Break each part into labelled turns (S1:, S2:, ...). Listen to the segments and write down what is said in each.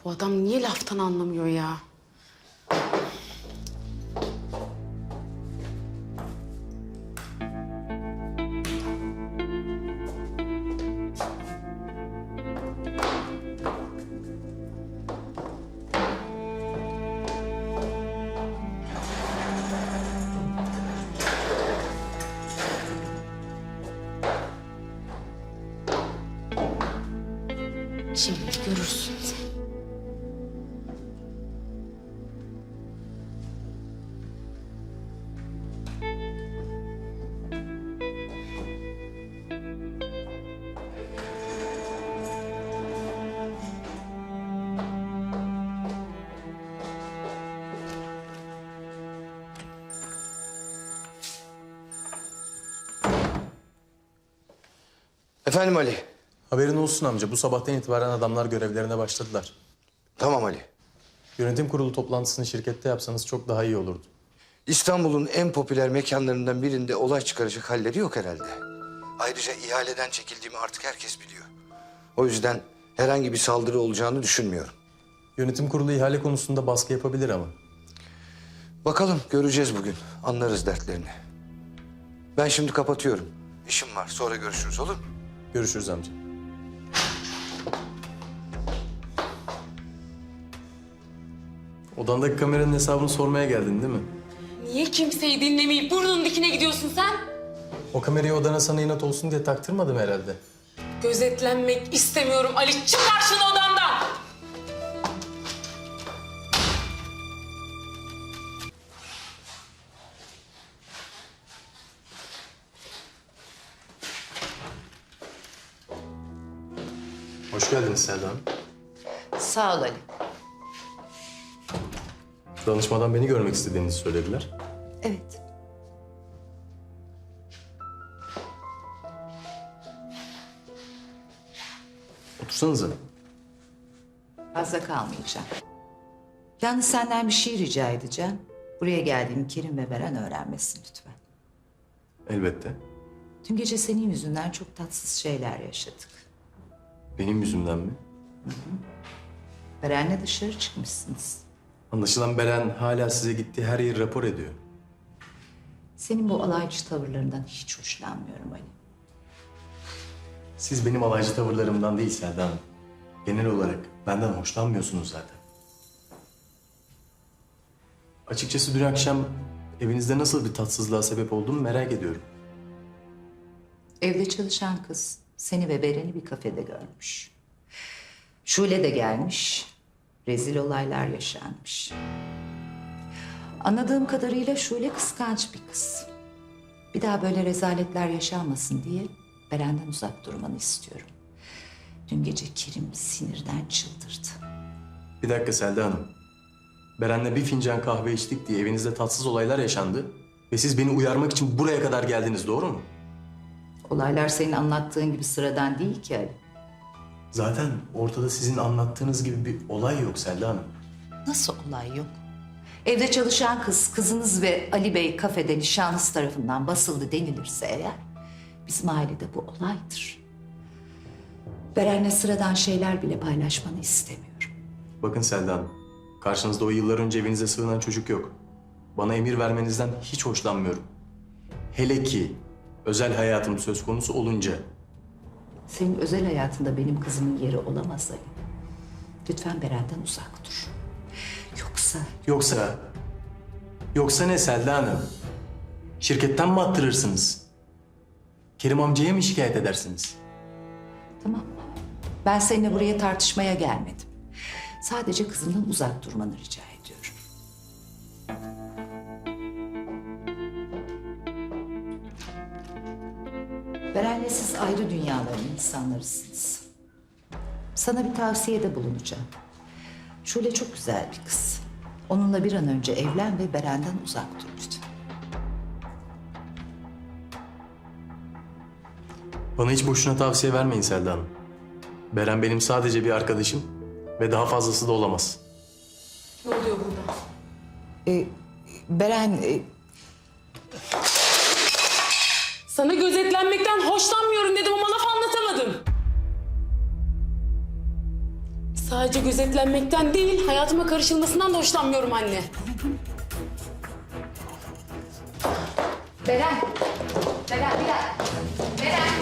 S1: Bu adam niye laftan anlamıyor ya? Şimdi görürsün sen.
S2: Efendim Ali.
S3: Haberin olsun amca. Bu sabahtan itibaren adamlar görevlerine başladılar.
S2: Tamam Ali.
S3: Yönetim kurulu toplantısını şirkette yapsanız çok daha iyi olurdu.
S2: İstanbul'un en popüler mekanlarından birinde olay çıkaracak halleri yok herhalde. Ayrıca ihaleden çekildiğimi artık herkes biliyor. O yüzden herhangi bir saldırı olacağını düşünmüyorum.
S3: Yönetim kurulu ihale konusunda baskı yapabilir ama.
S2: Bakalım, göreceğiz bugün. Anlarız dertlerini. Ben şimdi kapatıyorum. İşim var. Sonra görüşürüz, olur mu?
S3: Görüşürüz amca. Odandaki kameranın hesabını sormaya geldin değil mi?
S1: Niye kimseyi dinlemeyip burnunun dikine gidiyorsun sen?
S3: O kamerayı odana sana inat olsun diye taktırmadım herhalde.
S1: Gözetlenmek istemiyorum Ali. Çıkar şunu odamdan!
S3: Hoş geldiniz Selda Hanım.
S4: Sağ ol Ali.
S3: Danışmadan beni görmek istediğinizi söylediler.
S4: Evet.
S3: Otursanıza.
S4: Fazla kalmayacağım. Yalnız senden bir şey rica edeceğim. Buraya geldiğimi Kerim ve Beren öğrenmesin lütfen.
S3: Elbette.
S4: Dün gece senin yüzünden çok tatsız şeyler yaşadık.
S3: Benim yüzümden mi?
S4: Beren'le dışarı çıkmışsınız.
S3: Anlaşılan Beren hala size gittiği her yeri rapor ediyor.
S4: Senin bu alaycı tavırlarından hiç hoşlanmıyorum Ali.
S3: Siz benim alaycı tavırlarımdan değil Selda Hanım. Genel olarak benden hoşlanmıyorsunuz zaten. Açıkçası dün akşam evinizde nasıl bir tatsızlığa sebep olduğumu merak ediyorum.
S4: Evde çalışan kız seni ve Beren'i bir kafede görmüş. Şule de gelmiş. Rezil olaylar yaşanmış. Anladığım kadarıyla Şule kıskanç bir kız. Bir daha böyle rezaletler yaşanmasın diye Beren'den uzak durmanı istiyorum. Dün gece Kerim sinirden çıldırdı.
S3: Bir dakika Selda Hanım. Beren'le bir fincan kahve içtik diye evinizde tatsız olaylar yaşandı. Ve siz beni uyarmak için buraya kadar geldiniz, doğru mu?
S4: Olaylar senin anlattığın gibi sıradan değil ki Ali.
S3: Zaten ortada sizin anlattığınız gibi bir olay yok Selda Hanım.
S4: Nasıl olay yok? Evde çalışan kız, kızınız ve Ali Bey kafede nişanlısı tarafından basıldı denilirse eğer... bizim ailede bu olaydır. Beren'le sıradan şeyler bile paylaşmanı istemiyorum.
S3: Bakın Selda Hanım, karşınızda o yıllar önce evinize sığınan çocuk yok. Bana emir vermenizden hiç hoşlanmıyorum. Hele ki özel hayatım söz konusu olunca.
S4: Senin özel hayatında benim kızımın yeri olamaz Ali. Lütfen Beren'den uzak dur.
S3: Yoksa ne Selda Hanım? Şirketten mi attırırsınız? Kerim amcaya mı şikayet edersiniz?
S4: Tamam. Ben seninle buraya tartışmaya gelmedim. Sadece kızımdan uzak durmanı rica ediyorum. Beren'le siz ayrı dünyaların insanlarısınız. Sana bir tavsiyede bulunacağım. Şule çok güzel bir kız. Onunla bir an önce evlen ve Beren'den uzak dur lütfen.
S3: Bana hiç boşuna tavsiye vermeyin Selda Hanım. Beren benim sadece bir arkadaşım ve daha fazlası da olamaz.
S1: Ne oluyor burada?
S4: Beren...
S1: Sana gözetlenmekten hoşlanmıyorum dedim ama laf anlatamadım. Sadece gözetlenmekten değil, hayatıma karışılmasından da hoşlanmıyorum anne.
S4: Beren. Beren bir dakika. Beren.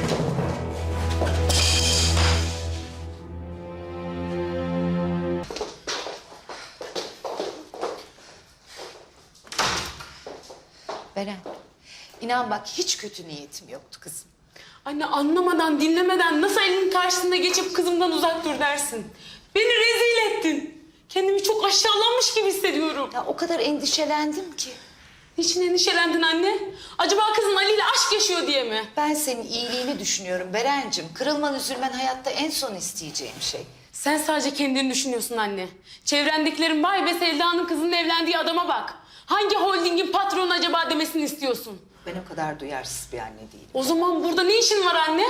S4: Beren. İnan bak hiç kötü niyetim yoktu kızım.
S1: Anne anlamadan, dinlemeden nasıl elinin karşısında geçip kızımdan uzak dur dersin? Beni rezil ettin. Kendimi çok aşağılanmış gibi hissediyorum.
S4: Ya o kadar endişelendim ki.
S1: Niçin endişelendin anne? Acaba kızın Ali ile aşk yaşıyor diye mi?
S4: Ben senin iyiliğini düşünüyorum Berencim. Kırılman üzülmen hayatta en son isteyeceğim şey.
S1: Sen sadece kendini düşünüyorsun anne. Çevrendekilerin vay be Selda'nın kızının evlendiği adama bak. Hangi holdingin patronu acaba demesini istiyorsun?
S4: Ben o kadar duyarsız bir anne değilim.
S1: O zaman burada ne işin var anne?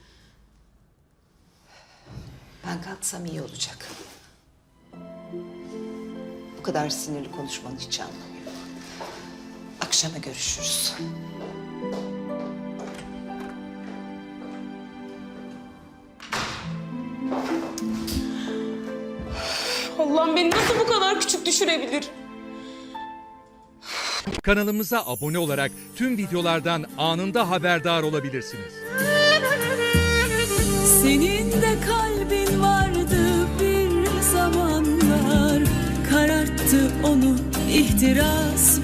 S4: Ben kalksam iyi olacak. Bu kadar sinirli konuşmanın hiç anlamı yok. Akşama görüşürüz.
S1: Allah'ım beni nasıl bu kadar küçük düşürebilir?
S5: Kanalımıza abone olarak tüm videolardan anında haberdar olabilirsiniz.
S6: Senin de kalbin vardı bir zamanlar, kararttı onu ihtiras